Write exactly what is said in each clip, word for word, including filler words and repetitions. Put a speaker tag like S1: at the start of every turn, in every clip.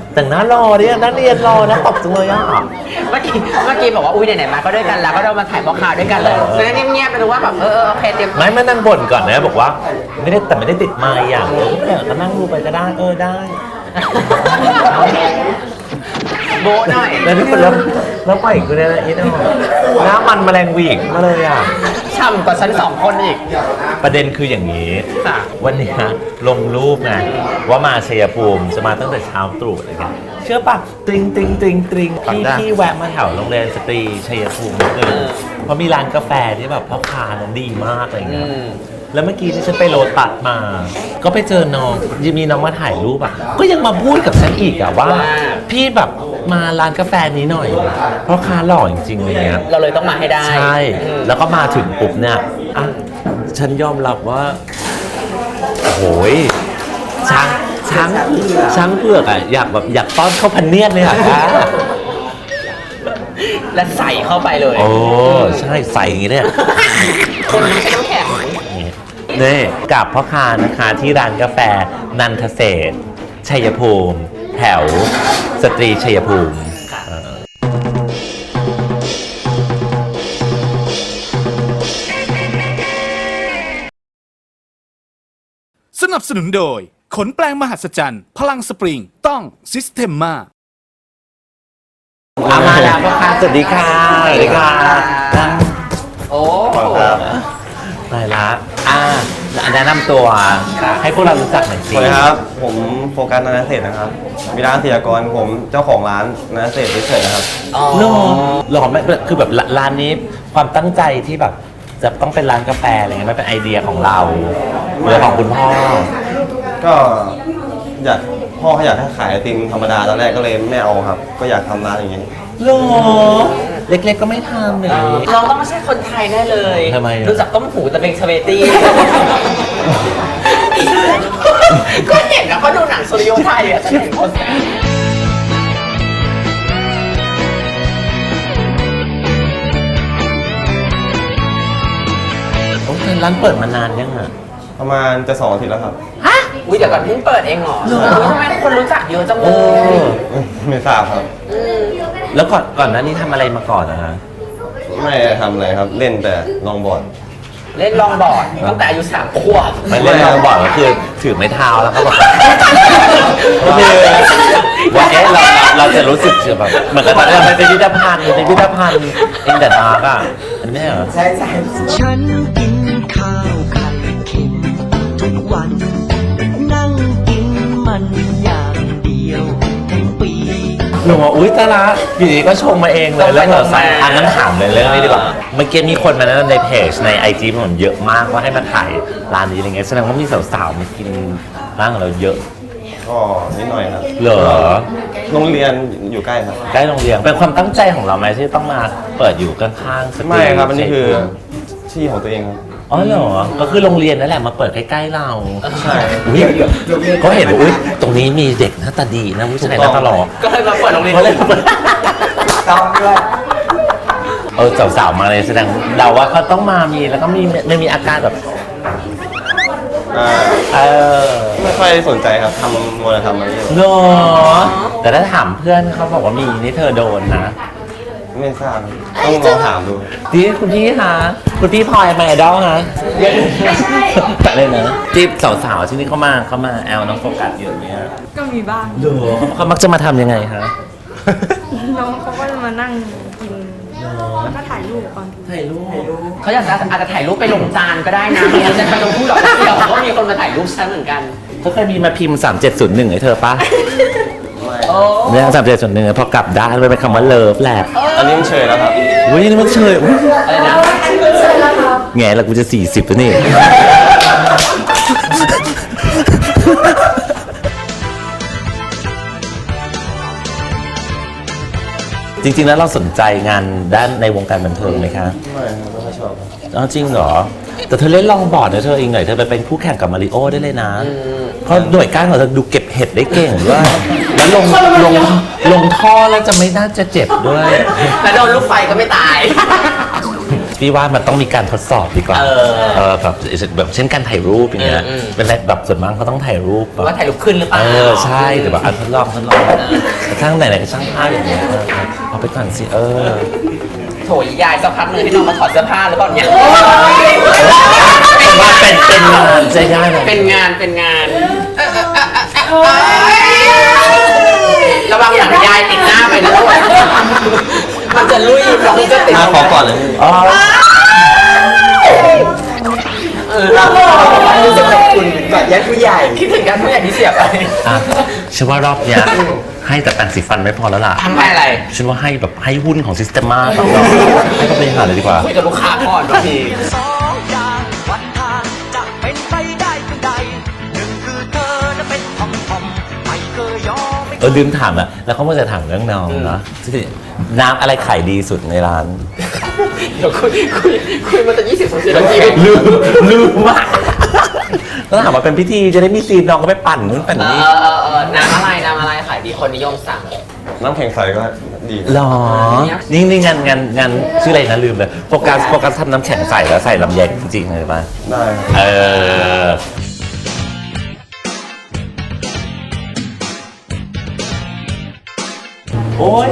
S1: แต่งหน้ารอเนี่ยนักเรียนรอนะตบจังเลยอ่ะ
S2: เมื่อกี้เมื่อกี้บอกว่าอุ้ยไหนๆมาก็ด้วยกันแล้วก็เรามาถ่ายพ่อค้าด้วยกันเลยฉะนั้นเงียบๆไปดูว่าแบบเออโอเคเตรียม
S1: ไม่ไม่นั่งบ่นก่อนนะบอกว่าไม่ได้แต่ไม่ได้ติดไมค์อย่างเออก็นั่งดูไปก็ได้เออได้
S2: โบหน่อย
S1: แล้วนี่คนแล้วแล้วปล่อยกูเนี่ยนะอีน้องหน้ามันแมลงวีกมาเลยอ่ะ
S2: ช่ำกว่าฉันสองคนอีก
S1: ประเด็นคืออย่างนี้วันนี้ลงรูปไงว่ามาชัยภูมิจะมาตั้งแต่เช้าตรู่อะไรเงี้ยเชื่อปะตริงตริงตริงตริงที่ที่แวะมาแถวโรงเรียนสตรีชัยภูมินิดนึงเพราะมีร้านกาแฟที่แบบพ่อค้านั้นดีมากอะไรเงี้ยแล้วเมื่อกี้ที่ฉันไปโรตัสมาก็ไปเจอน้องยังมีน้องมาถ่ายรูปอ่ะก็ยังมาพูดกับฉันอีกอ่ะว่าพี่แบบมาร้านกาแฟนี้หน่อยเพราะค้าหล่อจริงๆเลยเนี้ย
S2: เราเลยต้องมาให้ได้
S1: ใช่แล้วก็มาถึงปุ๊บเนี่ยอ่ะฉันยอมรับว่าโอ้ยช้างช้างช้างเผือกอ่ะอยากแบบอยากต้อนเข้าพันเนียดเลยอ่ะ
S2: และใส่เข้าไปเลย
S1: โอ้ใช่ใส่อย่างนี้เนี่ย
S2: คนไม่ใช่น้ำแข็ง
S1: นี่กับพ่อค้านะคะที่ร้านกาแฟนันทเศรษฐ์ชัยภูมิแถวสตรีชัยภูมิ
S3: สนับสนุนโดยขนแปลงมหัศจรรย์พลังสปริงต้องซิสเ e มมา
S1: อามาแล้วพ่อค้าสวัสดีค่ะสวัสดีค่ะ
S2: โอ้
S1: ไปละอ่าแนะนำตัวให้พวกเรารู้จักหน่อยสิ
S4: สวัสดีครับผมโฟกัสนันเศรษฐ์นะครับมีร้านเสียกรผมเจ้าของร้านนันเศรษฐ์เฉยๆนะครับ
S1: หรอหรอไม่คือแบบร้านนี้ความตั้งใจที่แบบจะต้องเป็นร้านกาแฟอะไรเงี้ยไม่เป็นไอเดียของเราหรือของคุณพ่อ
S4: ก็อยากพ่อเขาอยากให้ขายไอติมธรรมดาตอนแรกก็เลยไม่เอาครับก็อยากทำร้านอย่างเงี้ย
S1: หรอเล็กๆก็ไม่ทำเลย
S2: น้องต้องไม่ใช่คนไทยแน่เลย
S1: ทำไม
S2: รู้จักต้มหูแต่เป็นสเปตี้ก็เห็นแล้วก็ดูหนังสุริโยไทยอ่ะฉันเห็นคน
S1: โอ้ยร้านเปิดมานานยังอ่ะ
S4: ประมาณจะสองอาทิตย์แล้วครับ
S2: ฮะอุ้ยเดี๋ยวก่อนเพิ่งเปิดเองเหรอทำไมคนรู้จักเยอะจังเลย
S4: ไม่ทราบครับ
S1: แล้วก่อนก่อนหน้านี้ทำอะไรมาก่อนนะฮะ
S4: ไม่ทำอะไรครับเล่นแต่ลองบอร์ด
S2: เล่นลองบอร์ดตั้งแต่อายุสามขวบ
S1: ไม่เล่นลองบอร์ดก็คือถือไม้เท้าแล้วก็แบบก็คือว่าเอ๊ะเราเราจะรู้สึกแบบเหมือนกับตอนเราไปพิพิธภัณฑ์ในพิพิธภัณฑ์เอ็นเดอร์มาร์กอ่ะอันนี้เหรอ
S2: ใช่ใช่
S5: ฉันกินข้าวไข่เค็มทุกวันนั่งกินมันอย่างเดียวทั้งปี
S1: หนูว่าอุ้ยตาละอยู่ดีก็ชงมาเองเลยแล้วเราใส่อันนั้นถามเลยเรื่องนี้ดีกว่าเมื่อกี้มีคนมาแนะนำในเพจในไอจีผมเยอะมากว่าให้มาถ่ายร้านนี้อะไรเงี้ยแสดงว่ามีสาวๆมากินร้านของเราเยอะ
S4: ก็นิดหน่อยครับ
S1: เหรอ
S4: โรงเรียนอยู่ใกล้ครับ
S1: ใกล้โรงเรียนเป็นความตั้งใจของเราไหมที่ต้องมาเปิดอยู่ข้างๆ
S4: ไม่ครับอันนี้คือที่ของตัวเองครับ
S1: อ๋อเหรอก็คือโรงเรียนนั่นแหละมาเปิดใกล้ๆเรา
S4: ใช่
S1: ก็เห็นว่าอุ้ยตรงนี้มีเด็กหน้าตาดีนะผู้ชายหน้าตาหล่อ
S2: ก็เลยมาเปิดโรงเรียน
S1: เขาเลยเปิดต้องด้วยเออสาวๆมาเลยแสดงเราว่าเขาต้องมามีแล้วก็มีไม่มีอาการแบบ
S4: เออไม่ค่อยสนใจครับทำโมเดลทำอะไรอย่างเงี้ย
S1: เนาะแต่ถ้าถามเพื่อนเขาบอกว่ามีนี่เธอโดนนะ
S4: ไม่ทราบต้องลองถามดู
S1: ดีคุณพี่คะคุณพี่พลอยมาไอดอลฮะแต่เลยนะที่สาวๆที่นี่เขามาเขามาแอลน้องโฟกัสเยอะเนี่ย
S6: ก็มีบ้าง
S1: เหรอเขามักจะมาทำยังไงคะ
S6: น้องเขาก็จะมานั่งกินแล้วก็ถ่ายรูปบางที
S1: ถ่ายรูป
S2: เขาอยากจะอาจจะถ่ายรูปไปลงจานก็ได้นะไม่งั้นจะไปลงผู้หลอกเดียวก็มีคนมาถ่ายรูปฉันเหมือนกัน
S1: เขาเคยมีมาพิมพ์สามเจ็ดศูนย์หนึ่งให้เธอปะเนี่ยสามเจ็ดศูนย์หนึ่งพอกลับด้านไปเป็นคำว่าเลิฟแหละ
S4: อันนี้มันเชยแล้วครับ
S1: อุ้ยนี่มันเชย
S2: อะไรนะ
S1: ไงล่ะกูจะสี่สิบแล้วนี่จริงๆแล้วเราสนใจงานด้านในวงการบันเทิงไหมคะ
S4: ไม่ไม่ชอบ
S1: อ๋อจริงเหรอแต่เธอเล่นลองบอร์ดนะเธอเองหน่อยเธอไปเป็นคู่แข่งกับมาริโอได้เลยนะเพราะหน่วยก้านของเธอดูเก็บเห็ดได้เก่งด้วยแล้วลงลงลงท่อแล้วจะไม่น่าจะเจ็บด้วย
S2: แล้วโดนลูกไฟก็ไม่ตาย
S1: พี่ว่ามันต้องมีการทดสอบดีกว่า
S2: เออ
S1: เออแบบแบบเช่นการถ่ายรูปอย่างเงี้ย
S2: อืมอืม
S1: เป็นอะไรแบบส่วนมากเขาต้องถ่ายรูปแบบ
S2: ว่าถ่ายรูปขึ้นหรือเปล่า
S1: เออใช่แต่แบบอ่ะทดลองทดลองแต่ทั้งไหนๆก็ช่างภาพอย่างเงี้ยเออเอาไปก่อนสิเออ
S2: โถยยายสักพักหนึ่งให้น้องมาถอดเสื้อผ้าหรือเปล่าเนี่ย
S1: ว่าเป็นเป็นงานจะยากหน่อย
S2: เป็นงานเป็นงานระวังหลังยายติดหน้าไปนะลูกมันจะลุยน้องจะติด
S4: มาขอก่อนเลยพี่
S1: อ๋อ
S2: เออเรารู้สึกขอบคุณแบบญาติผู้ใหญ่คิดถึงญาติผู้ใหญ่ที่เสียไป
S1: อ่ะฉันว่ารอบเนี้ยให้แต่แปรงสีฟันไม่พอแล้วล่ะ
S2: ทำไปอะไร
S1: ฉันว่าให้แบบให้หุ้นของซิสเต็มมาต่อให้เขาบริหารเลยดีกว่า
S2: คุยกับลูกค้าก่อนบางที
S5: สองอย่างวันทางจะเป็นไปได้เพียงใดหนึ่งคือเธอจะเป็นทอมทอมไม่เคยยอมไม่
S1: เออลืมถามอะแล้วเขาเมื่อจะถามเรื่องน้องเนาะที่น้ำอะไรขายดีสุดในร้าน
S2: เดี๋ยวคุยคุยคุยมาตั้งยี่สิบสามสิบนาที
S1: ลืมลืมมากแล้วถามว่าเป็นพิธีจะได้มีซีนน้องก็ไปปั่นนู้นปั่น
S2: เอ
S1: นี้
S2: อเออเออน้ำอะไรน้ำอะไรขายดีคนนิยมสั่ง
S4: น้ำแข็งใสก็ดี
S1: หรอ นี่นี่งานงานงานชื่ออะไรนะลืมเลยโฟกัสโฟกัสทำน้ำแข็งใส่แล้วใส่ลำไยจริงๆเลยป่ะ
S4: ได้ครับ
S1: เออ โอ้ย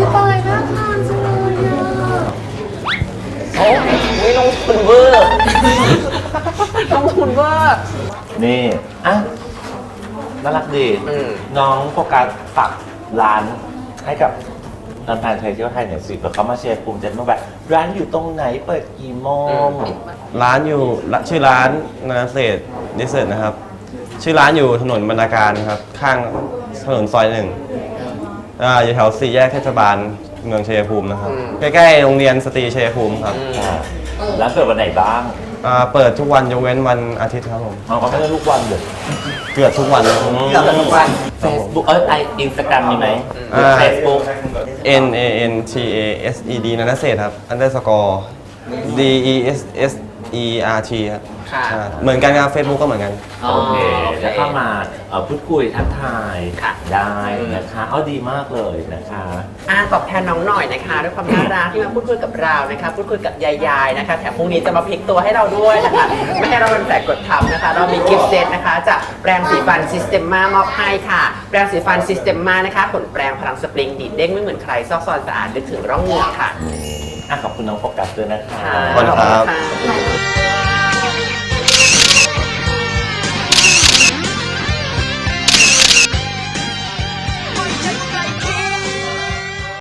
S2: โอ้ยไม่ลงทุนเวอร์ ลงทุนเวอร์
S1: นี่อ่ะน่ารักดี
S2: อืม
S1: น้องโฟกัสฝากร้านให้กับแฟนๆไทยเที่ยวไทยหน่อยสิเผื่อเขามาเชียร์ภูมิใจว่าแบบร้านอยู่ตรงไหนเปิดกี่โมง
S4: ร้านอยู่ละชื่อร้านนาเศษดิเซอร์นะครับ ชื่อร้านอยู่ถนนบรรณาการครับ ข้างถนนซอยหนึ่งอ่าอยู่แถวสี่แยกเทศบาลเมืองชัยภูมินะครับ ใกล้ๆโรงเรียนสตรีชัยภูมิครับ
S1: ร้านเปิดวันไหนบ้าง
S4: อ่าเปิดทุกวันยกเว้นวันอาทิตย์ครับผม
S1: เราก็ไม่ได้ทุกวันเลย
S4: เกือบทุกวันเลย
S2: เราจะทุกวัน
S1: เฟซบุ๊กเอ้ยไออินสตาแกรมมีไหม
S4: อ่า
S1: เฟซบุ๊ก
S4: N A N T A S E D นันทเศษครับ underscore D E S S E R T ครับ
S2: ค่ะ
S4: อ่าเหมือนกันครับ Facebook ก็เหมือนกัน
S1: โอเคจะเข้ามาเอ่อพูดคุยทักทาย
S2: ค่ะ
S1: ได้นะคะเอาดีมากเลยนะคะ
S2: อ่าตอบแทนน้องหน่อยนะคะด้วยความน่ารักที่มาพูดคุยกับเรานะคะพูดคุยกับยายๆนะคะแถมพรุ่งนี้จะมาพลิกตัวให้เราด้วยนะคะไม่ให้เราเป็นแผลกดทับนะคะ เรามีกิฟต์เซตนะคะจากแปรงสีฟันซิสเต็มมามอบให้ค่ะแปรงสีฟันซิสเต็มมานะคะขนแปรงพลังสปริงดีดเด้งไม่เหมือนใครซอกซอนสะอาดนึกถึงร่องเหงือกค่ะ
S1: อ่ะขอบคุณน้องโฟกัสด้วยนะคะ
S2: ค่ะ
S4: ขอบคุณครับ
S2: ขอบคุณค่ะ